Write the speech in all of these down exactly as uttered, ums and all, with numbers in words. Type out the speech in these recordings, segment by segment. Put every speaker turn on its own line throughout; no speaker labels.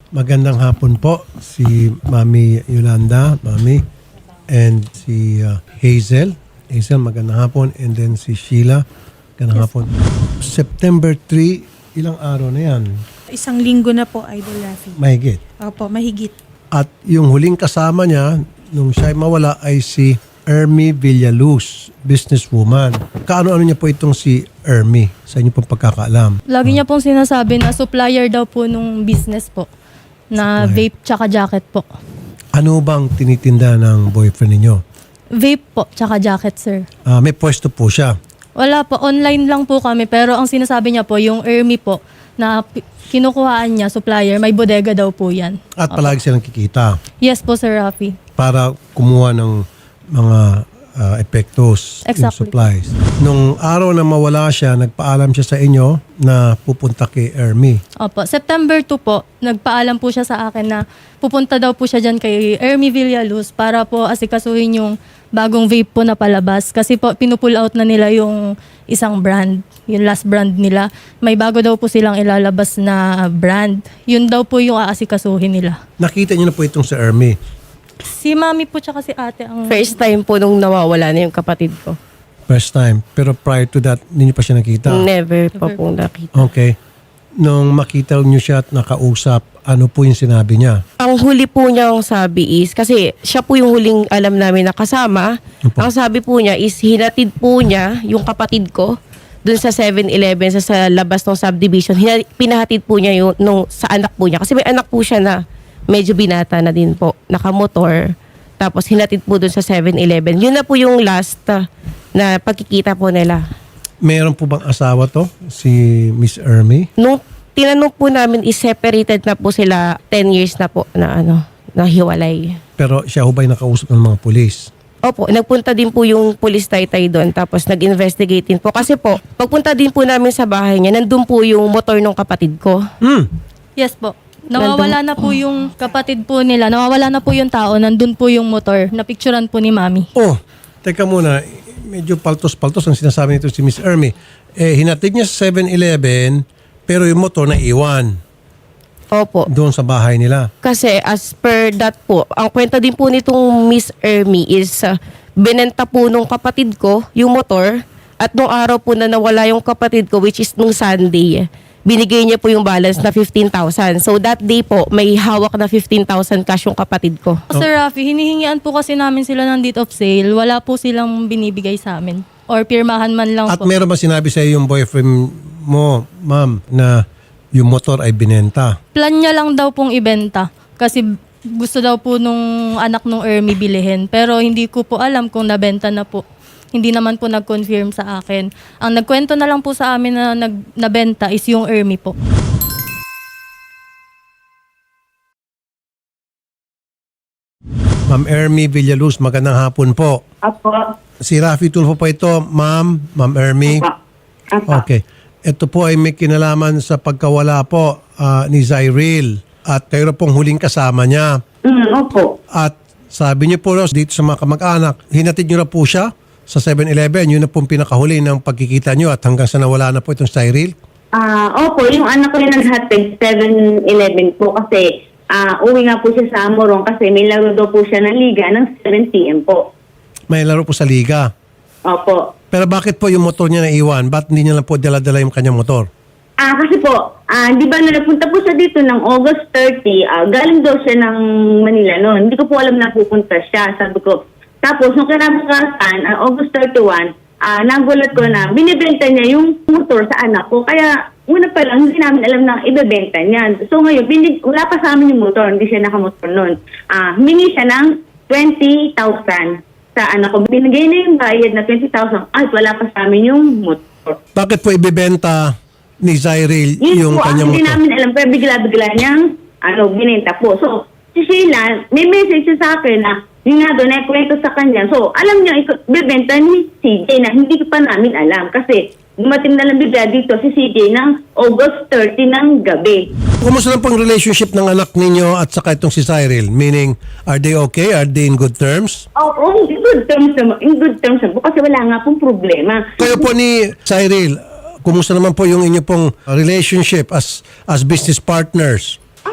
Magandang hapon po si Mami Yolanda, Mami, and si uh, Hazel. Hazel, magandang hapon. And then si Sheila, magandang hapon. September third, ilang araw na yan?
Isang linggo na po, Idol Rafi.
Mahigit.
Opo, mahigit.
At yung huling kasama niya, nung siya mawala, ay si Ermi Villaluz, businesswoman. Kaano-ano niya po itong si Ermi sa inyo pong pagkakaalam?
Lagi niya pong sinasabi na supplier daw po nung business po. Na
Supplier.
vape tsaka jacket po.
Ano bang tinitinda ng boyfriend ninyo?
Vape po tsaka jacket, sir.
Ah, may pwesto po siya.
Wala po, online lang po kami. Pero ang sinasabi niya po, yung Ermi po, na pi- kinukuhaan niya, supplier, may bodega daw po yan.
At palagi silang kikita
Yes po, Sir Rafi.
para kumuha ng mga ah, epektos, yung
Exactly.
supplies. Nung araw na mawala siya, nagpaalam siya sa inyo na pupunta kay Ermi.
Opo, September two po, nagpaalam po siya sa akin na pupunta daw po siya dyan kay Ermi Villaluz para po asikasuhin yung bagong vape po na palabas. Kasi po, pinupull out na nila yung isang brand, yung last brand nila. May bago daw po silang ilalabas na brand. Yun daw po yung aasikasuhin nila.
Nakita niyo na po itong si Ermi.
Si mami po tsaka si ate ang...
First time po nung nawawala na yung kapatid ko.
First time. Pero prior to that, hindi niyo pa siya nakita.
Never pa po nakita.
Okay. Nung makita niyo siya at nakausap, ano po yung sinabi niya?
Ang huli po niyang sabi is, kasi siya po yung huling alam namin na kasama.
Opo.
Ang sabi po niya is, hinatid po niya yung kapatid ko dun sa seven eleven sa, sa labas ng subdivision. Hina, pinahatid po niya yung, nung, sa anak po niya. Kasi may anak po siya na medyo binata na din po, nakamotor. Tapos hinatid po dun sa seven eleven. Yun na po yung last uh, na pagkikita po nila.
Meron po bang asawa to? Si Miss Ermi?
Nung tinanong po namin is separated na po sila ten years na po na ano, na hiwalay.
Pero siya ho ba'y nakausap ng mga pulis?
Opo, nagpunta din po yung police taytay doon tapos nag-investigate din po. Kasi po, pagpunta din po namin sa bahay niya, nandun po yung motor ng kapatid ko.
Hmm.
Yes po. Nawawala na po yung kapatid po nila. Nawawala na po yung tao. Nandun po yung motor. Napicturan po ni mami.
Oh, teka muna. Medyo paltos-paltos ang sinasabi nito si Miss Ermi. Eh, hinatid niya sa seven eleven, pero yung motor na iwan
Opo.
doon sa bahay nila.
Kasi as per that po, ang kwenta din po nitong Miss Ermi is uh, binenta po nung kapatid ko yung motor at nung araw po na nawala yung kapatid ko which is nung Sunday, binigay niya po yung balance na fifteen thousand. So that day po, may hawak na fifteen thousand cash yung kapatid ko.
Sir Rafi, hinihingian po kasi namin sila ng deed of sale. Wala po silang binibigay sa amin. Or pirmahan man lang
At
po.
meron ba sinabi sa iyo yung boyfriend mo, ma'am, na yung motor ay binenta?
Plan niya lang daw pong ibenta. Kasi gusto daw po nung anak nung Ermi bilihin. Pero hindi ko po alam kung nabenta na po. Hindi naman po nag-confirm sa akin. Ang nagkwento na lang po sa amin na nag, nabenta is yung Ermi po.
Ma'am Ermi Villaluz, magandang hapon po.
Apo.
Si Rafi Tulfo po ito, ma'am, ma'am Ermi.
Apo. Apo.
Okay. Ito po ay may kinalaman sa pagkawala po ah, ni Zyril at kayo na pong huling kasama niya.
Mm, opo.
At sabi niyo po dito sa mga kamag-anak, hinatid niyo na po siya sa seven eleven. Yun na pong pinakahuli ng pagkikita niyo at hanggang sa nawala na po itong Cyril.
Ah, opo, yung anak ko yung naghatid seven eleven po kasi ah uwi nga po siya sa Amorong kasi may laro daw po siya ng liga ng seven p m po.
May laro po sa liga.
Opo.
Pero bakit po yung motor niya naiwan? Ba't hindi niya lang po dala-dala yung kanyang motor?
Ah, kasi po, ah, di ba na napunta po siya dito ng August thirty, ah, galing daw siya ng Manila noon. Hindi ko po alam na pupunta siya. Sabi ko, tapos nung kinabukasan, ah, August thirty-one, ah, nagulat ko na binibenta niya yung motor sa anak ko. Kaya una pa lang, hindi namin alam na ibebenta niya. So ngayon, binig, wala pa sa amin yung motor, hindi siya nakamotor noon. Ah, humingi siya ng twenty thousand sa anak ko. Binigay na yung bayad na twenty thousand at wala pa sa amin yung motor.
Bakit po ibibenta ni Zyril
Yun
yung
po, ang
kanyang
hindi
motor?
namin alam, pero bigla-bigla niyang ano, binenta po. So, si Sheila, may message siya sa akin na yun nga doon, naikwento sa kanya. So, alam niya, bibenta ni C J na hindi pa namin alam. Kasi dumating na lang bigla dito si C J ng August thirty ng gabi.
Kumusta na pang relationship ng anak ninyo at saka itong si Cyril? Meaning, are they okay? Are they in good terms?
Oo, oh, in good terms naman. In good terms naman po kasi wala nga pong problema.
Kayo po ni Cyril, kumusta naman po yung inyo pong relationship as as business partners?
Ano, okay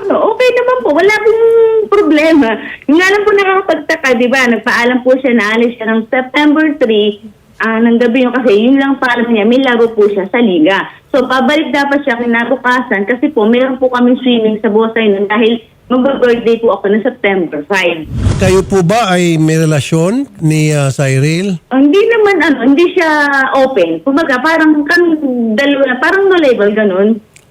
okay naman po. Wala pong problema. Yung nga lang po nakakapagtaka, di ba? Nagpaalam po siya na alis siya ng September third, ah, ng gabi yung kasi yun lang paalam niya, may laro po siya sa liga. So, pabalik dapat siya kinabukasan kasi po, meron po kami swimming sa Bosay nun dahil mag-birthday po ako ng September fifth.
Kayo po ba ay may relasyon ni uh, Cyril?
Ah, hindi naman ano, hindi siya open. Kumbaga, parang kan dalawa, parang no label, ganun.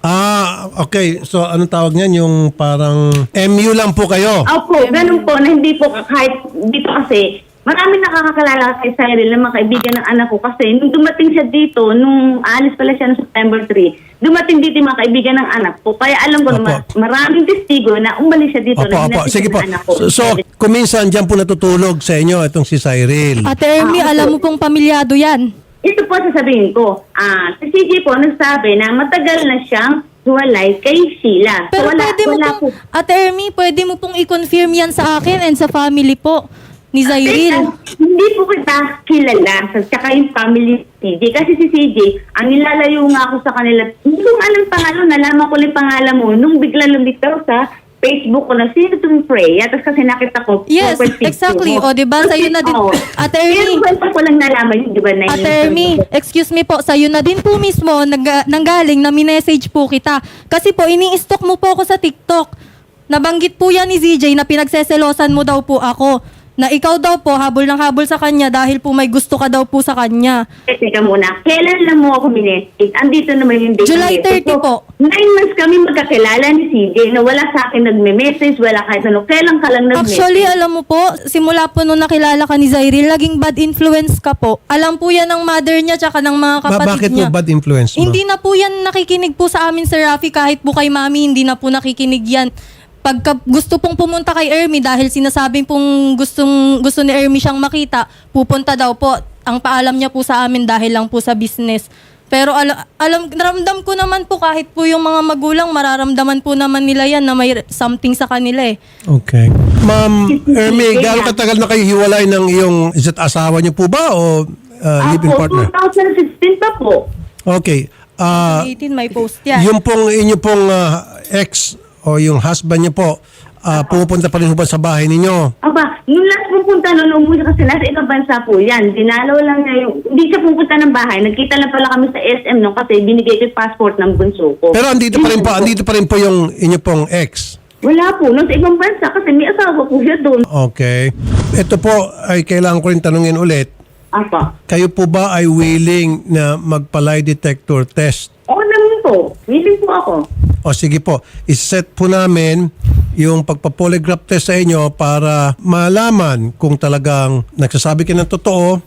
Ah, okay. So, anong tawag niyan? Yung parang M U lang po kayo?
Opo, ganun po, na hindi po kahit dito kasi, marami nakakakalala kay Cyril na mga kaibigan ng anak ko kasi nung dumating siya dito, nung alis pala siya noong September third, dumating dito yung mga kaibigan ng anak ko. Kaya alam ko
Opo.
na maraming testigo na umalis siya dito.
Opo,
na
opo.
hinatid
Sige
ng
po.
anak ko.
So, so kuminsan dyan po natutulog sa inyo itong si Cyril.
Ate Ermi,
Ah,
alam mo pong pamilyado yan.
Ito po sasabihin ko. Ah, si C J po nagsabi na matagal na siyang huwalay kay Sheila.
Pero
so, wala,
pwede mo
wala
pong,
po.
Ate Ermi, pwede mo pong i-confirm yan sa akin and sa family po ni
Teka,
Cyril.
hindi po kita kilala sa tsaka yung family C J. Kasi si C J, ang nilalayo nga ako sa kanila, hindi ko nga alam pangalan, nalaman ko lang yung pangalan mo nung bigla lumitaw sa Facebook ko na sino itong Freya. Tapos kasi nakita ko.
Yes,
profile picture
exactly.
mo.
O, diba? Sa'yo na din.
Oo.
Ate
Pero
Ermi,
kwento ko lang nalaman yun, di ba? Na
Ate
yun-
Ermi, excuse me po, sa'yo na din po mismo nag, nanggaling na minessage po kita. Kasi po, ini-stalk mo po ako sa TikTok. Nabanggit po yan ni Z J na pinagseselosan mo daw po ako. Na ikaw daw po, habol ng habol sa kanya dahil po may gusto ka daw po sa kanya.
Eh, teka muna, kailan lang mo ako minessage? Andito naman yung date.
July
ng
thirty
message.
po.
So, nine months kami magkakilala ni C J na wala sa akin nagme-message, wala kahit ano. Kailan ka lang nag-message?
Actually, alam mo po, simula po nung nakilala ka ni Cyril, laging bad influence ka po. Alam po yan ng mother niya tsaka ng mga
Ba-
kapatid
bakit
niya.
po bad influence, ma'am?
Hindi na po yan nakikinig po sa amin, Sir Rafi, kahit po kay Mami, hindi na po nakikinig yan. Pagka gusto pong pumunta kay Ermi dahil sinasabing pong gustong, gusto ni Ermi siyang makita, pupunta daw po. Ang paalam niya po sa amin dahil lang po sa business. Pero ala, alam, naramdam ko naman po kahit po yung mga magulang, mararamdaman po naman nila yan na may something sa kanila eh.
Okay. Ma'am Ermi, gaano katagal na kayo hiwalay ng iyong is it asawa niyo po ba o uh, live-in
Ako,
partner?
twenty sixteen pa po.
Okay. Ah,
eighteen may post yan.
yung pong inyo pong ah, ex o yung husband niyo po, ah, pumupunta pa rin po ba sa bahay ninyo?
Aba, nung last pupunta nun, umuwi kasi nasa ibang bansa po yan. Dinalaw lang niya yung, hindi siya pupunta ng bahay. Nagkita lang pala kami sa S M nung kasi binigay ko yung passport ng bunso ko.
Pero andito pa rin po, andito pa rin po yung inyo pong ex.
Wala po, nasa ibang bansa kasi may asawa po siya doon.
Okay. Ito po ay kailangan ko rin tanungin ulit.
Apa.
Kayo po ba ay willing na magpa-lie detector test?
Oo naman po. Willing po ako.
O sige po, iset po namin yung pagpa-polygraph test sa inyo para malaman kung talagang nagsasabi ka ng totoo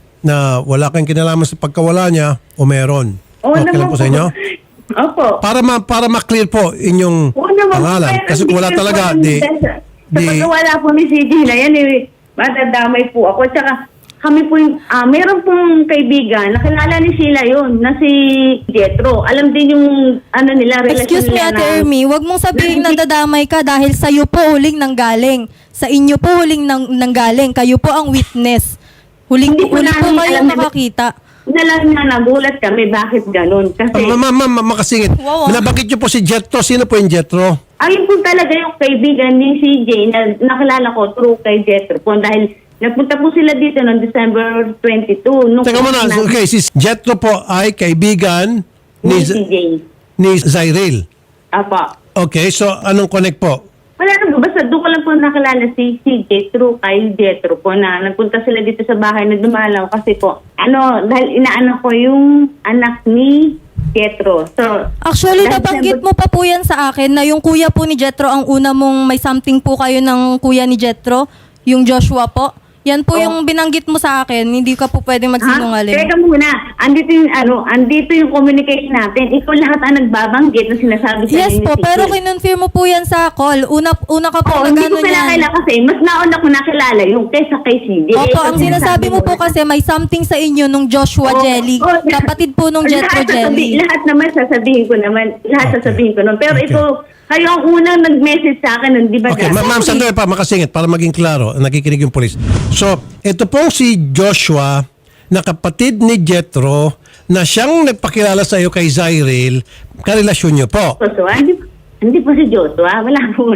na wala kang kinalaman sa pagkawala niya o meron.
Oo
Okay
naman
lang po sa inyo?
Opo.
Para ma para ma-clear po inyong
Oo naman po.
pangalan.
Pero
Kasi kung wala
hindi
talaga,
po,
di,
Sa
di,
pagkawala po ni C J na yan, eh, matadamay po ako. Tsaka kami po yung, ah, meron pong kaibigan, nakilala ni Sheila yun, na si Jetro. Alam din yung, ano nila, relasyon
Excuse me,
nila
Ate
na-
Ermi, wag mong sabihin na dadamay ka dahil sa'yo po huling nanggaling. Sa inyo po huling nang, nanggaling. Kayo po ang witness. Huling,
Hindi po
huli po
namin
kayo
alam na-
nakakita.
Na lang na nagulat kami, bakit ganun? Kasi,
ma'am, ma'am, ma'am, ma'am, makasingit.
Wow, ah.
Nabanggit niyo po si Jetro. Sino po yung Jetro?
ayun po talaga yung kaibigan ni C J na nakilala ko through kay Jetro po. Dahil nagpunta po sila dito noong December twenty-two. Nung
Teka muna,
na-
okay, si Jetro po ay kaibigan
ni
ni,
C J.
ni Cyril.
Apa.
Okay, so anong connect po?
Wala na, basta doon ko lang po nakilala si C J through kay Jetro po na nagpunta sila dito sa bahay na dumalaw kasi po, ano, dahil inaano ko yung anak ni Jetro. So,
Actually,
dahil
nabanggit
December-
mo pa po yan sa akin na yung kuya po ni Jetro ang una mong may something po kayo ng kuya ni Jetro, yung Joshua po. Yan po
Oh.
yung binanggit mo sa akin, hindi ka po pwedeng
Ha?
magsinungaling.
Teka muna, andito yung, ano, andito yung communication natin. Ikaw lahat ang nagbabanggit na sinasabi sa
Yes
ni
po,
C J.
pero kinonfirm mo po yan sa call. Una, una ka po
Oo, hindi
nag-ano
ko
niyan.
pinakilala kasi mas nauna ko nakilala yung kaysa kay C J.
Opo,
Kasi
ang sinasabi mo po kasi may something sa inyo nung Joshua
Oo,
Jelly.
oo,
Kapatid po nung Jetro
lahat sasabi-
Jelly.
Lahat naman sasabihin ko naman. Lahat
Okay.
sasabihin ko naman. Pero
Okay.
ito, kayo ang unang nag-message sa akin nun, di ba?
Okay,
dati?
ma- ma'am, sandali pa, makasingit para maging klaro, nakikinig yung polis. So, ito pong si Joshua, na kapatid ni Jetro, na siyang nagpakilala sa iyo kay Cyril, karelasyon niyo po.
So, so, hindi, Hindi po si Joshua. Wala po.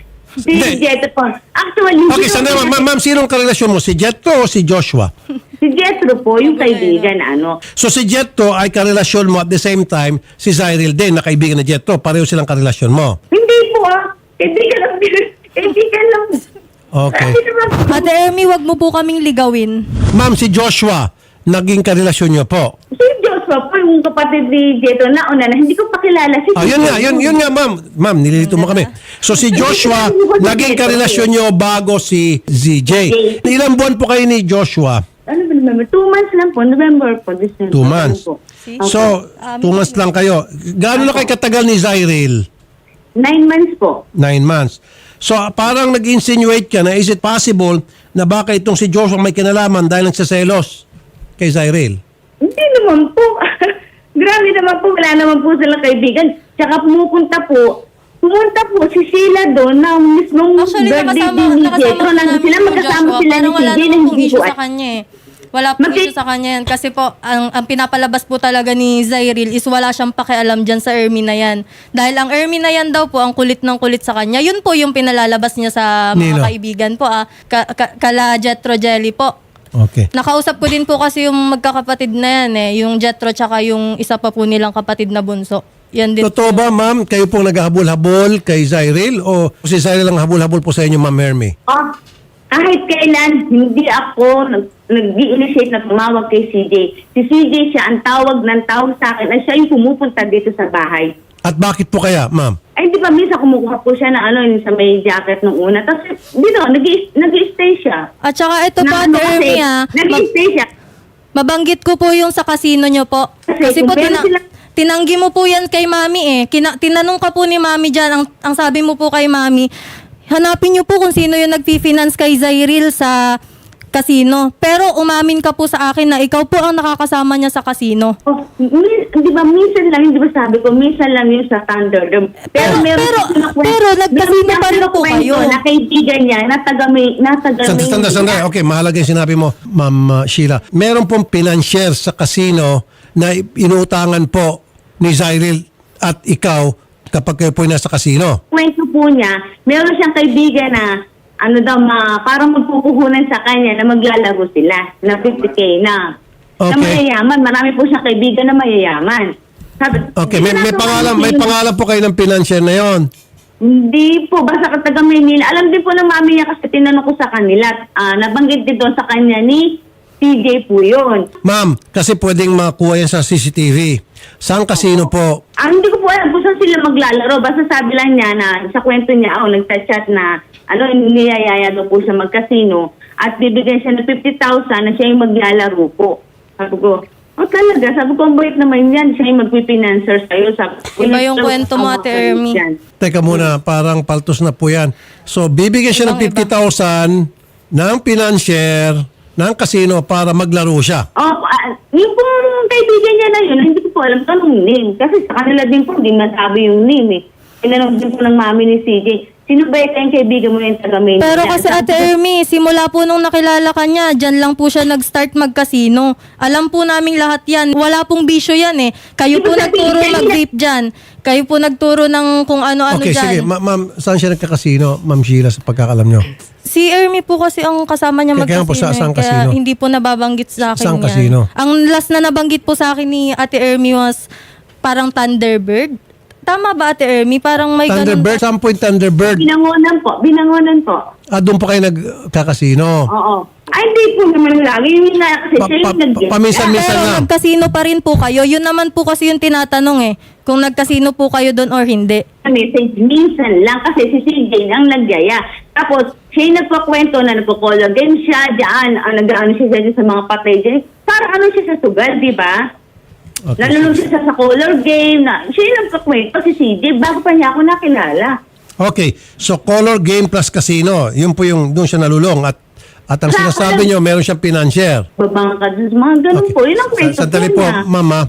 Si
Hindi.
Jetro po. Actually,
Okay,
si-
sandali, ma'am, ma'am, sinong karelasyon mo? Si Jetro o si Joshua?
Si Jetro po, yung kaibigan na ano.
So si Jetro ay karelasyon mo at the same time si Cyril din na kaibigan ni Jetro. Pareho silang karelasyon mo.
Hindi po ah. Kaibigan lang. Kaibigan lang.
Okay.
Kasi naman po,
Ate Ermi, wag mo po kaming ligawin.
Ma'am, si Joshua, naging karelasyon niyo po.
si Joshua po, yung kapatid ni Jetro na una na hindi ko pa kilala. Si
Ah, yun nga, yun, yun nga, ma'am. Ma'am, nililito mo kami. So si Joshua, naging karelasyon niyo bago si Z J. Ilang buwan po kayo ni Joshua?
Ano ba November? Two months lang po. November po. December.
Two months.
Ano po.
So, two months lang kayo. Gaano na kayo katagal ni Cyril?
Nine months po.
Nine months. So, parang nag-insinuate ka na, is it possible na baka itong si Joshua may kinalaman dahil nagsaselos kay Cyril?
Hindi naman po. Grabe naman po. Wala naman po silang kaibigan. Tsaka pumupunta po. Pumunta po si Sheila doon na mismong
Actually,
birthday
nakasama,
din ni
nakasama
Jetro.
po
Nandun
namin
sila,
yung
magkasama
Joshua.
sila ni
Parang wala
C J.
naman pong
Hindi
issue
po
sa kanya eh. Wala pong
Mag-
issue sa kanya yan. Kasi po, ang, ang pinapalabas po talaga ni Cyril is wala siyang pakialam dyan sa Ermi na yan. Dahil ang Ermi na yan daw po, ang kulit ng kulit sa kanya, yun po yung pinalalabas niya sa mga
Nino.
kaibigan po. Ah. Ka, ka, kala Jetro Jelly po.
Okay.
Nakausap ko din po kasi yung magkakapatid na yan eh. Yung Jetro tsaka yung isa pa po nilang kapatid na bunso. Yan din.
Totoo ba, ma'am, kayo pong naghahabol-habol kay Cyril o si Cyril ang habol-habol po sa inyo, ma'am Hermie?
Oh, kahit kailan, hindi ako nag- nag-i-initiate na tumawag kay C J. Si C J siya ang tawag ng tawag sa akin at siya yung pumupunta dito sa bahay.
At bakit po kaya, ma'am?
Ay, di ba minsan kumukuha po siya ng ano, yung sa may jacket nung una. Tapos, dito, nag- nag-i-stay siya.
At saka ito po,
Na
Ate
ano kasi,
Ermi ah. Mag-
nag-i-stay siya.
Mabanggit ko po yung sa casino nyo po.
Kasi
Kasi
kung
po,
meron
tina-
sila-
tinanggi mo po yan kay mami eh. Kina- tinanong ka po ni mami dyan, ang, ang sabi mo po kay mami, hanapin nyo po kung sino yung nag-finance kay Cyril sa casino. Pero umamin ka po sa akin na ikaw po ang nakakasama niya sa casino.
Oh, min- di ba, minsan lang, di ba sabi ko, minsan lang yun sa Thunderdome. Pero,
Pero-
meron
pero-
siya kinukwento-
pero nagkasino
meron siya
pa rin po
kinukwento
kayo.
Na kaibigan niya, na taga may, na taga
Sandali,
may-
sandali, sandali. Okay, mahalaga yung sinabi mo, ma'am uh, Sheila. Meron pong financier sa casino na inuutangan po ni Cyril at ikaw kapag kayo po ay nasa casino.
Kwento po niya, meron siyang kaibigan na ano daw, ma, parang magpupuhunan sa kanya na maglalaro sila na fifty K na. Na
Okay.
mayayaman. Marami po siyang kaibigan na mayayaman. Sabi,
Okay, may, may
ginagawa
pangalan,
niya
may
yung-
pangalan po kayo ng financier na yon.
Hindi po, basta ka taga Maynila. Alam din po ng mami niya kasi tinanong ko sa kanila. Ah, nabanggit din doon sa kanya ni C J po yun.
Ma'am, kasi pwedeng makuha yan sa C C T V. Saan casino po?
Ah, hindi ko po alam kung saan sila maglalaro. Basta sabi lang niya na sa kwento niya, oh, nagchat-chat na ano, niyayaya daw po siya magkasino at bibigyan siya ng fifty thousand na siya yung maglalaro po. Sabi ko, oh talaga, sabi ko, ang bait naman yan. Siya yung magpipinancer sa'yo. Sabi ko,
Iba yung kwento mo, Ate Ermi.
Yan.
Teka muna, parang paltos na po yan. So, bibigyan siya ng
Ibang
fifty thousand ng financier ng casino para maglaro siya.
Oh, ah, yung pong kaibigan niya na yun, hindi ko po alam anong name. Kasi sa kanila din po, hindi masabi yung name eh. Tinanong din po ng mami ni C J, sino ba yung kaibigan mo yung taga Maynila?
Pero kasi Ate Ermi, simula po nung nakilala ka niya, dyan lang po siya nag-start mag-casino. Alam po namin lahat yan. Wala pong bisyo yan eh. Kayo po
Ibig sabihin,
nagturo
kanina-
mag-vape dyan. Kayo po nagturo ng kung ano-ano
Okay,
dyan.
sige. Ma- ma'am, saan siya nagkakasino, Ma'am Sheila, sa pagkakalam nyo?
Si Ermi po kasi ang kasama niya
Kaya- kaya
mag-casino.
po sa- saan
eh, kaya
casino?
hindi po nababanggit sa akin
Saan
yan.
casino?
Ang last na nabanggit po sa akin ni Ate Ermi was parang Thunderbird. Tama ba Ate Ermi? Parang may ganun
Thunderbird? Saan po yung Thunderbird?
Binangonan po, binangonan po.
Ah, doon po kayo nagkakasino.
Oo. Ay, hindi po naman lagi. Yun nga kasi
Pa-
siya
pa-
yung nag
pa- paminsan-minsan
Pero
lang.
nagkasino pa rin po kayo. Yun naman po kasi yung tinatanong eh. Kung nagkasino po kayo doon or hindi.
message minsan lang kasi si C J ang nagyaya. Tapos, siya yung nagpakwento na nagpo-color game siya dyan. Ah, nag-ano siya dyan sa mga patay dyan. Parang ano siya sa sugal, di ba?
Okay.
Nalulong siya sa, sa color game. Na, siya yung nagpakwento si C J bago pa niya ako nakilala.
Okay, so color game plus casino. Yun po yung doon siya nalulong. At at ang
Sa-
sinasabi nyo, meron siyang financier.
Babangkad, mga ganun
Okay.
po. Yun ang kwento
Sa- Sandali po,
niya.
mama.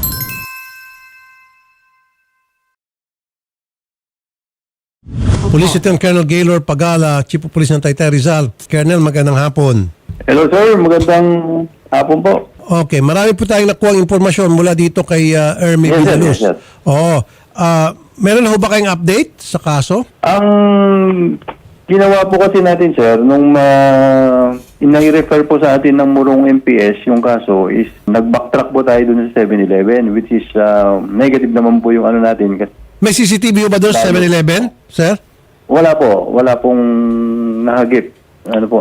Police Lieutenant Colonel Gaylor Pagala, Chief of Police ng Taytay Rizal. Colonel, magandang hapon.
Hello sir, magandang hapon po.
Okay, marami po tayong nakuha impormasyon mula dito kay uh, Ermi
Yes, sir.
Villaluz.
Yes, sir.
Oo. Ah, Meron na ho ba kayong update sa kaso?
Ang ginawa po kasi natin, sir, nung uh, inai-refer po sa atin ng Murong M P S yung kaso is nag-backtrack po tayo dun sa seven eleven, which is uh, negative naman po yung ano natin. Kasi
May C C T V ho ba doon sa seven eleven, sir?
wala po, wala pong nahagip. Ano po.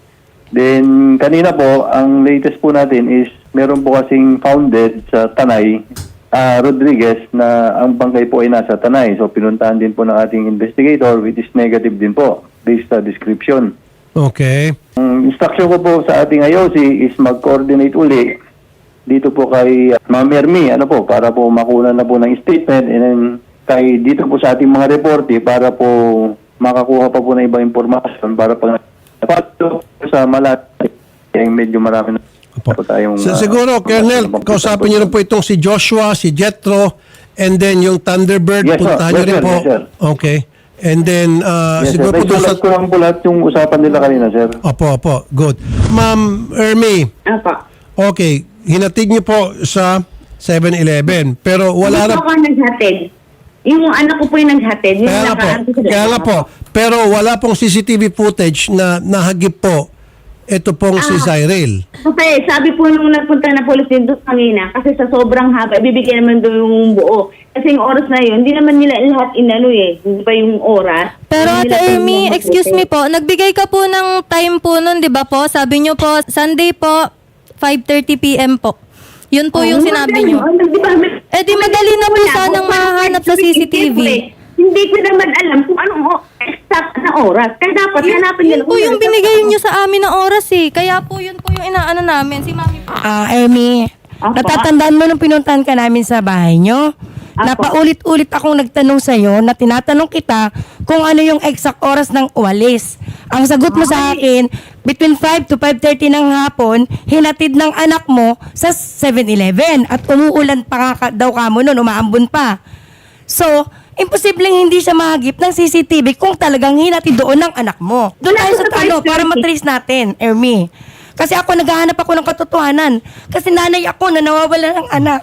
Then, kanina po, ang latest po natin is meron po kasing founded sa Tanay, ah, Rodriguez, na ang bangkay po ay nasa Tanay. So, pinuntahan din po ng ating investigator, which is negative din po, based sa description.
Okay.
Ang instruction ko po sa ating I O C is mag-coordinate uli dito po kay uh, Ma'am Ermi, ano po, para po makuha na po ng statement, and then kay dito po sa ating mga reporte para po makakuha pa po ng ibang impormasyon para pag pato sa Malate, yung medyo marami na po tayong...
So,
uh,
siguro, Colonel, kausapin niyo rin po itong si Joshua, si Jethro, and then yung Thunderbird,
Yes, sir.
puntahan niyo
Yes,
rin
sir.
po.
Yes, sir.
Okay. And then, uh,
Yes,
siguro
sir.
po doon sa...
Isulat ko lang po lahat yung usapan nila kanina, sir.
Opo, opo. Good. Ma'am Ermi,
Apa.
okay, hinatid niyo po sa seven eleven, pero wala
Hindi
na...
po ako naghatid. Yung anak ko po yung naghatid. Yung
Kaya nga po,
nakaan ko sa
kaya nga po. Pero wala pong C C T V footage na nahagip po ito pong si
Ah.
Cyril.
Kasi sabi po nung nagpunta na police din doon kanina, kasi sa sobrang haba, ibibigay naman doon yung buo. Kasi yung oras na yun, hindi naman nila lahat inano eh. Hindi pa yung oras.
Pero
Hindi
Ate
nila
Ermi,
tinanong
excuse
mabuti.
me po, nagbigay ka po ng time po nun, di ba po? Sabi nyo po, Sunday po, five thirty p.m. po. Yun po
Oh,
yung sinabi nyo.
ano, di ba, may-
Eh, di madali na po
Wala,
sanang
kung paano
mahanap sa
pwede-
C C T V.
Hindi ko naman alam kung anong o- exact na oras. Kaya dapat hanapin nila.
Yun po
kung
yung
ano-
binigay nyo sa amin na oras eh. Kaya po yun po yung inaano namin. Si Mami po.
Ah, Ermi,
Apo.
natatandaan mo nung pinuntahan ka namin sa bahay nyo?
Apo.
Napaulit-ulit akong nagtanong sa'yo na tinatanong kita kung ano yung exact oras ng uwalis. Ang sagot mo sa akin, between five to five thirty ng hapon, hinatid ng anak mo sa seven eleven at umuulan pa nga ka- daw ka mo nun, umaambon pa. So, imposibleng hindi siya mahagip ng C C T V kung talagang hinatid doon ng anak mo. Doon tayo sa ano, para matrace natin, Ermi. Kasi ako naghahanap ako ng katotohanan. Kasi nanay ako na nawawala ng anak.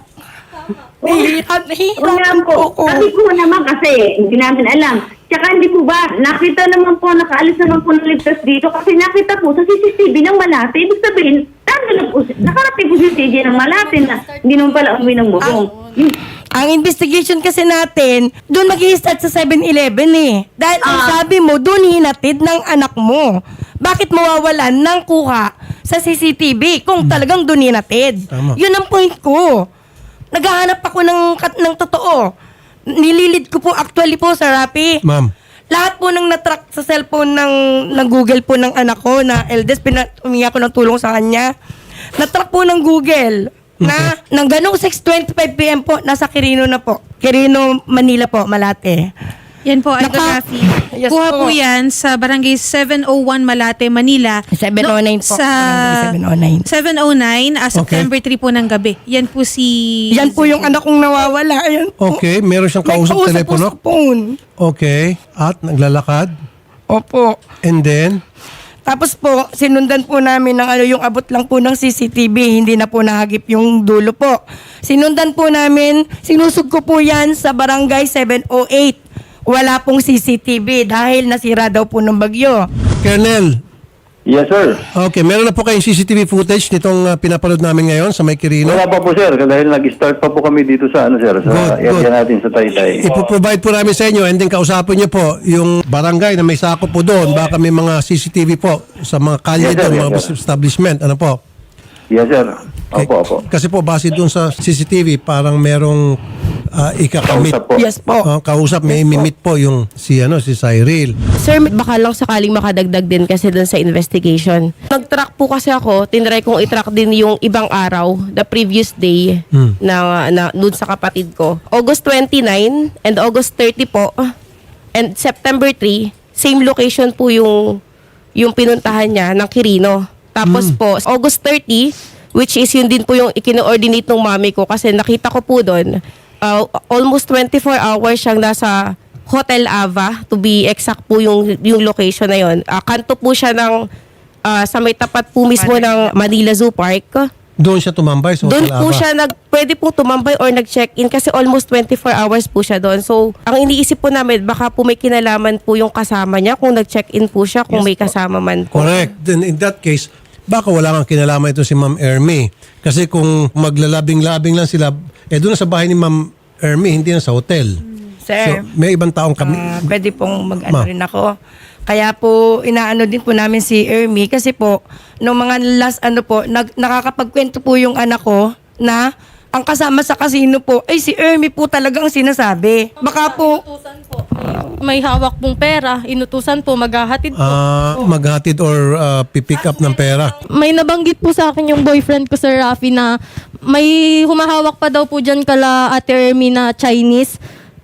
Nahihirap,
Wala
nahihirapan
po.
po ako.
Sabi ko naman kasi, hindi namin alam. Tsaka hindi po ba, nakita naman po, nakaalis naman po ng ligtas dito kasi nakita po sa C C T V ng Malate. Ibig sabihin, na po, nakarating po si C C T V ng Malate na hindi naman pala umuwi ng Murong. Yung-
Ang investigation kasi natin, doon mag-i-start sa seven eleven eh. Dahil ang
Ah.
sabi mo, doon hinatid ng anak mo. Bakit mawawalan ng kuha sa C C T V kung talagang doon hinatid?
Tama.
Yun ang point ko. Naghahanap ako ng, kat- ng totoo. Nililid ko po actually po sa Rappi.
Ma'am.
Lahat po nang natrack sa cellphone ng, ng Google po ng anak ko na eldest, pina, humingi ako ng tulong sa kanya. Natrack po ng Google na nang ganong six twenty-five p.m. po, nasa Quirino na po. Quirino, Manila po, Malate.
Yan po, Idol
Naka-
Rafi.
Yes
Kuha
po.
po yan sa barangay seven oh one Malate, Manila.
seven oh nine po,
Sa
barangay seven oh nine.
seven oh nine, ah,
Okay.
September three po ng gabi. Yan po si...
Yan po yung anak kong nawawala. Ayan po.
Okay, meron siyang
May
kausap
kausap po
telepono.
sa phone.
Okay, at naglalakad.
Opo.
And then,
Tapos po, sinundan po namin ng ano, yung abot lang po ng C C T V, hindi na po nahagip yung dulo po. Sinundan po namin, sinusog ko po yan sa barangay seven oh eight. Wala pong C C T V dahil nasira daw po ng bagyo.
Colonel,
Yes, sir.
okay, meron na po kayong C C T V footage nitong uh, pinapanood namin ngayon sa May Quirino.
Wala pa po, sir. Dahil nag-start pa po kami dito sa, ano, sir, sa
Good,
area
good.
natin sa Taytay.
Ipoprovide po namin sa inyo and then kausapin niyo po yung barangay na may sakop po doon. Baka may mga C C T V po sa mga kalye
Yes, sir,
doon,
yes,
mga
sir.
establishment. Ano po?
Yes, sir. Opo, opo.
Kasi po, base doon sa C C T V, parang merong uh, ikakamit.
Kausap po.
Yes po.
Uh, kausap, may imimit po yung si, ano, si Cyril.
Sir, baka lang sakaling makadagdag din kasi dun sa investigation. Nag-track po kasi ako, tinry kong i-track din yung ibang araw, the previous day,
Hmm.
na, na dun sa kapatid ko. August twenty-nine and August thirty po, and September three, same location po yung, yung pinuntahan niya ng Quirino. Tapos po, August thirty, which is yun din po yung ikino-ordinate ng mami ko kasi nakita ko po doon, uh, almost twenty-four hours siyang nasa Hotel Ava, to be exact po yung, yung location na yun. Uh, kanto po siya ng, uh, sa may tapat po mismo ng Manila Zoo Park.
Doon siya tumambay sa
Doon
Hotel
po
Aba.
siya nag, pwede po tumambay or nag-check-in kasi almost twenty-four hours po siya doon. So, ang iniisip po namin, baka po may kinalaman po yung kasama niya kung nag-check-in po siya, kung may kasama man po.
Correct. Then in that case, baka wala kang kinalaman ito si Ma'am Ermi. Kasi kung maglalabing-labing lang sila, eh doon na sa bahay ni Ma'am Ermi, hindi na sa hotel.
Sir,
So, may ibang taong kami.
ah, pwede pong mag-ano
Ma.
rin ako. Kaya po, inaano din po namin si Ermi kasi po, nung mga last ano po, nag, nakakapagkwento po yung anak ko na ang kasama sa casino po, ay si Ermi po talaga ang sinasabi. Baka po,
Inutusan po. May hawak pong pera. Inutusan po, maghahatid po.
Ah, maghatid or ah, pipick up ng pera.
May nabanggit po sa akin yung boyfriend ko, Sir Rafi, na may humahawak pa daw po dyan kala Ate Ermi na Chinese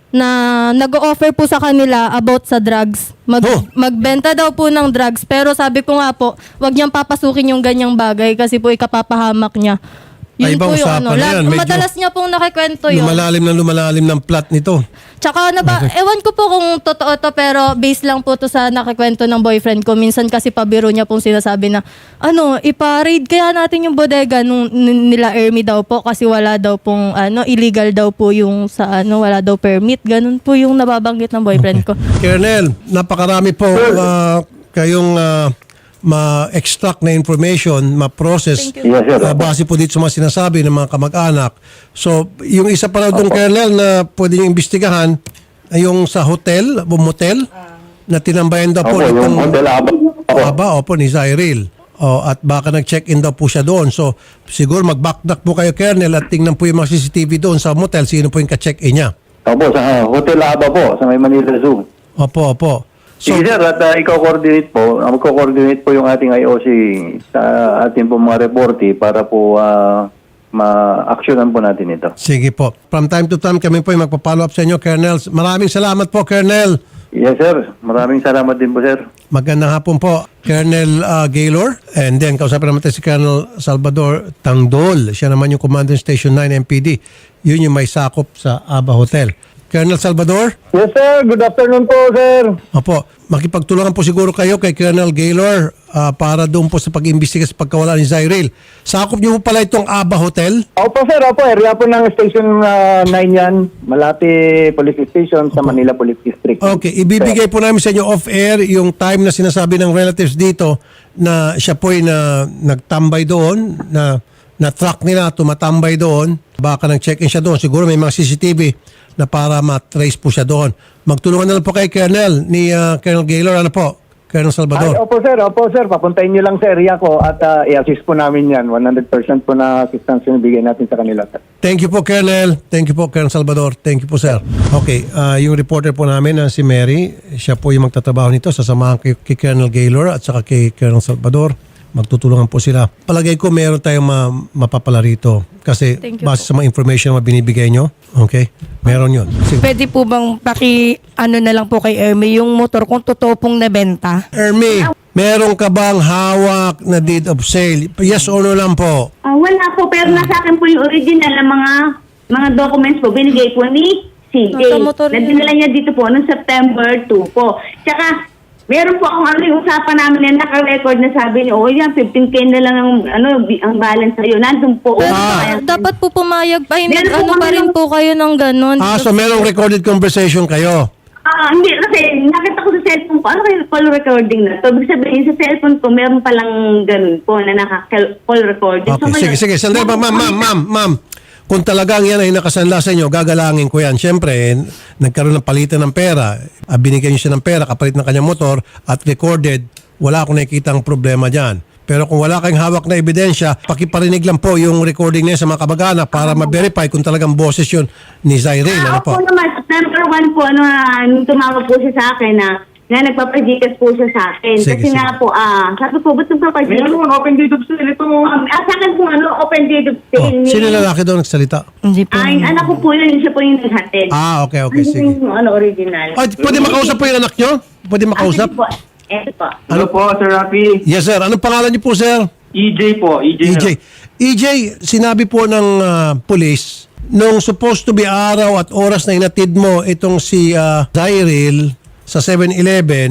na nag-offer po sa kanila about sa drugs. Mag,
Oh.
Magbenta daw po ng drugs. Pero sabi ko nga po, wag niyang papasukin yung ganyang bagay kasi po ikapapahamak niya.
Ay, ibang usapan na
Lag-
yan. Medyo
Madalas niya pong nakikwento yun.
Lumalalim na lumalalim ng plot nito.
Tsaka na ba, ewan ko po kung totoo to pero base lang po to sa nakikwento ng boyfriend ko. Minsan kasi pabiro niya pong sinasabi na, ano, ipa-raid kaya natin yung bodega nung n- nila Ermi daw po kasi wala daw pong, ano, illegal daw po yung sa, ano, wala daw permit. Ganun po yung nababanggit ng boyfriend ko.
Colonel, napakarami po ah, kayong ah, ma-extract na information, ma-process
Yes, sir.
ah, base po dito sa mga sinasabi ng mga kamag-anak. So, yung isa pa na doon, Colonel, na pwede nyo imbestigahan, ay yung sa hotel, o motel, na tinambayan daw po
Opo, yung
itong
Hotel Aba. Opo.
Aba, opo, ni Zyril. O, at baka nag-check-in daw po siya doon. So, siguro mag-backtrack po kayo, Colonel, at tingnan po yung mga C C T V doon sa motel, sino po yung ka-check-in niya.
Opo, sa Hotel Aba po, sa may Manila Zoo.
Opo, opo. So,
Sige sir, at uh, ikaw coordinate po, uh, magko-coordinate po yung ating I O C sa ating po mga reporte para po uh, ma-actionan po natin ito.
sige po. From time to time, kami po yung magpa-follow up sa inyo, Colonel. Maraming salamat po, Colonel.
Yes sir, maraming salamat din po sir.
Magandang hapon po, Colonel uh, Gaylor. And then, kausapin naman tayo si Colonel Salvador Tangdol. Siya naman yung Commander Station nine M P D. Yun yung may sakop sa Aba Hotel. Colonel Salvador?
Yes sir, good afternoon po sir.
Opo, makipagtulungan po siguro kayo kay Colonel Gaylor ah, para doon po sa pag-imbestiga sa pagkawala ni Zyril. Sakop niyo po pala itong Aba Hotel?
Opo sir, opo. Area po ng Station uh, nine yan. Malati Police Station sa Manila Police District.
Okay, ibibigay po namin sa inyo off-air yung time na sinasabi ng relatives dito na siya po ay na, nagtambay doon, na na-track nila, tumatambay doon. Baka nag-check-in siya doon. Siguro may mga C C T V na para matrace po siya doon. Magtulungan na lang po kay Colonel, ni uh, Colonel Gaylor. Ano po? Colonel
Ay,
Salvador.
opo sir, opo sir. Papuntahin niyo lang sa area ko at uh, i-assist po namin yan. one hundred percent po na assistance yung bigay natin sa kanila sir.
Thank you po, Colonel. Thank you po, Colonel Salvador. Thank you po, sir. Okay, ah, yung reporter po namin na si Mary, siya po yung magtatrabaho nito. Sasamahan kay, kay Colonel Gaylor at saka kay Colonel Salvador. Magtutulungan po sila. Palagay ko meron tayong ma- mapapala rito. Kasi
Thank you
base sa mga information na binibigay nyo, okay, meron yun. Sige.
pwede po bang paki, ano na lang po kay Ermi, yung motor kung totoo pong nabenta?
Ermi, meron ka bang hawak na deed of sale? Yes or no lang po?
Ah, wala po, pero nasa akin po yung original na mga mga documents po, binigay po ni C J.
Nasa motor
Na
yun.
dinala niya dito po noong September two po. Tsaka, meron po akong ano yung usapan namin na naka-record na sabi niyo, oh yan, fifteen K na lang ang, ano, bi- ang balance sa'yo. Nandun po.
Pero
Ah.
dapat po pumayag pa, hindi,
Meron po
ano pa
kami
rin
ng-
po kayo ng ganon.
Ah, so merong recorded conversation kayo?
Ah, hindi, kasi nakita ko sa cellphone ko, ano kayo call recording na to? Ibig sabihin, sa cellphone ko, meron palang ganun po na naka-call recording.
Okay, sige, sige. Sandali ba, ma'am, ma'am, ma'am, ma'am. Kung talagang yan ay nakasanla sa inyo, gagalangin ko yan. Siyempre, eh, nagkaroon ng palitan ng pera. Ah, binigyan niyo siya ng pera, kapalit ng kanyang motor, at recorded, wala akong nakikita ang problema dyan. Pero kung wala kayong hawak na ebidensya, pakiparinig lang po yung recording niya sa mga kabagana para ma-verify kung talagang boses yun ni Zyril. Ano
Ah,
po?
opo naman, September one po, ano, ah, nung tumawag po siya sa akin na na nagpapajikas po siya sa akin.
Sige,
Kasi
sige.
nga po, ah, sabi ko, ba't nagpapajikas?
Meron, open date of sale ito.
Um, ah, sa akin po, ano, open date of
Oh,
sale.
sino lalaki doon nagsalita?
Hindi po.
Ah, yung anak ko po yun, siya po yung naghatid.
Ah, okay, okay,
Ano
sige.
yung, ano, original.
Oh, pwede makausap po yung anak nyo? Pwede makausap?
Ah, sige po. Eto po.
Ano po, Sir Rafi?
Yes, sir. Anong pangalan niyo po, sir?
E J po, E J.
E J. E J, sinabi po ng ah, police, nung supposed to be araw at oras na inatid mo itong si uh, Zyril sa seven eleven,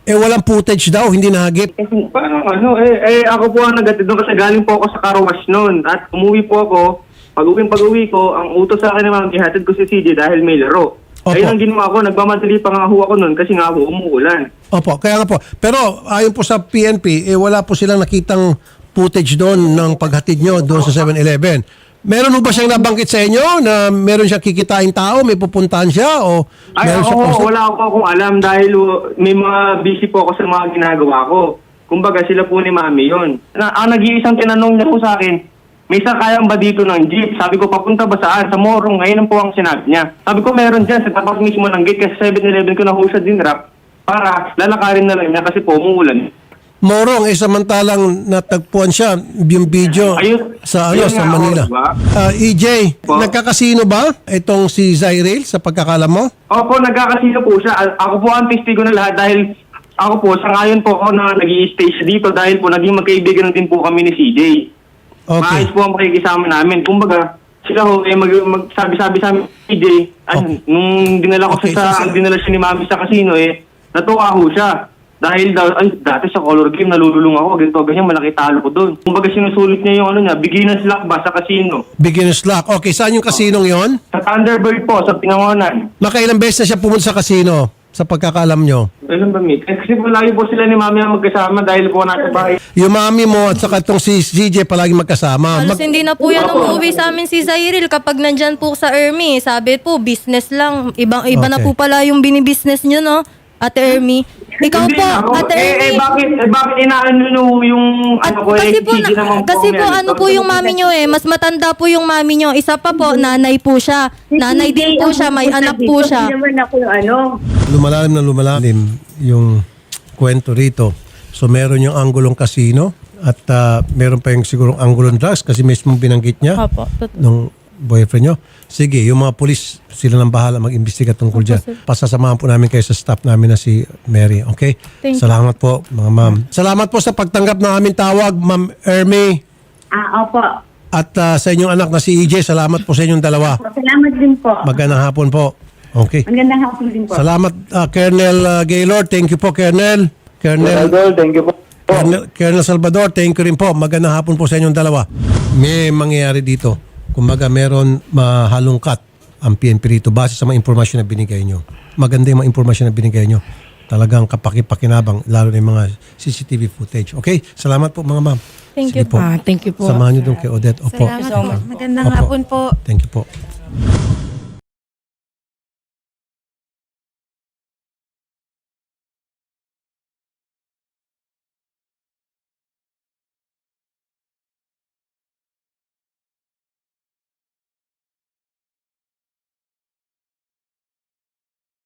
Eh walang footage daw, hindi nahagip.
Kasi
Paano ano? Eh, eh ako po ang nagatid doon kasi galing po ako sa car wash noon. At umuwi po ako. Pag-uwi pag-uwi ko, ang utos sa akin ni Ma'am, ihatid ko si C J dahil may laro.
Opo.
Ayun ang ginawa ko, nagmamadali pa nga ho ako noon kasi nga ho umuulan.
Opo, kaya nga po. Pero ayon po sa P N P, eh wala po silang nakitang footage doon ng paghatid nyo doon sa seven eleven. Meron po ba siyang nabanggit sa inyo na meron siyang kikitain tao, may pupuntahan siya o
Ay,
meron
ako,
siya post-
wala ako akong alam dahil uh, may mga busy po ako sa mga ginagawa ko. Kumbaga sila po ni Mami yun. Na, ang nag-iisang tinanong niya po sa akin, may sakayang ba dito ng jeep? Sabi ko, papunta ba saan? Sa Morong. Ngayon po ang sinabi niya. Sabi ko, meron dyan sa tapat mismo ng gate kasi seven eleven ko na ho siya dinrap para lalakarin na lang niya kasi po umuulan.
Morong, eh samantalang natagpuan siya yung video
Ayun.
sa ano
Ayun
sa
nga,
Manila.
diba?
Ah, E J,
Po.
nagkakasino ba itong si Zyril sa pagkakalam mo?
Opo, nagkakasino po siya. A- Ako po ang testigo na lahat dahil ako po, sa ngayon po ako na nag-i-stay siya dito dahil po naging magkaibigan din po kami ni C J.
Okay.
Maayos po ang pakikisama namin. Kumbaga, sila ho, eh, mag, magsabi-sabi sa amin, C J, ay,
Okay.
nung dinala ko
Okay,
siya
so,
sa,
sir-
dinala siya ni Mami sa casino, eh, natuwa ho siya. Dahil daw, ay, dati sa color game, nalululong ako, ganito, ganyan, malaki talo ko doon. Kumbaga, sinusulit niya yung ano niya, beginner's luck ba sa casino?
Beginner's luck. Okay, saan yung kasinong yon?
Sa Thunderbird po, sa Pinangonan.
Nakailang beses na siya pumunta sa kasino sa pagkakalam nyo?
Alam ba, Mick? Eh, kasi po lagi po sila ni Mami ang magkasama dahil po nasa bahay.
Yung mami mo at saka itong si C J palagi magkasama.
Halos
Mag-
hindi na po yan umuwi sa amin si Zyril kapag nandyan po sa Ermi. Sabi po, business lang. Ibang, iba na
Okay.
po pala yung binibusiness nyo, no? Ate Ermi. Ikaw
Hindi
po,
na ako.
Ate
eh,
Ermi.
eh, bakit, eh, bakit inaano nyo yung,
At
ano ko, eh,
kasi po,
Gigi
na-
naman
kasi po
yan.
ano po yung mami nyo eh, mas matanda po yung mami nyo. Isa pa po, nanay po siya. Nanay din po siya, may anak po siya.
Hindi naman ako yung ano.
lumalalim na lumalalim yung kwento rito. So meron yung anggulong kasino at ah, meron pa yung sigurong anggulong drugs kasi mismo binanggit niya
Opo, totoo.
nung boyfriend nyo. Sige, yung mga polis, sila nang bahala mag-imbestiga tungkol dyan. Pasasamahan po namin kayo sa staff namin na si Mary. Okay?
Thank you.
Salamat po, mga ma'am. Salamat po sa pagtanggap ng aming tawag, Ma'am Ermi.
Ah, opo.
At ah, sa inyong anak na si E J, salamat po sa inyong dalawa.
Salamat din po.
Magandang hapon po. Okay.
Magandang hapon din po.
Salamat, ah, Colonel ah, Gaylord. Thank you po, Colonel. Colonel,
Idol, thank you po.
Colonel, Colonel Salvador, thank you rin po. Magandang hapon po sa inyong dalawa. May mangyayari dito. Kumbaga, meron mahalungkat ang P N P rito base sa mga impormasyon na binigay nyo. Maganda yung mga impormasyon na binigay nyo. Talagang kapakipakinabang, lalo na yung mga C C T V footage. Okay? Salamat po, mga ma'am.
Thank
Sige
you
po.
Ah, thank you po.
Samahan nyo doon kay Odette. Opo.
Salamat po. Magandang
Opo.
hapon po.
Thank you po.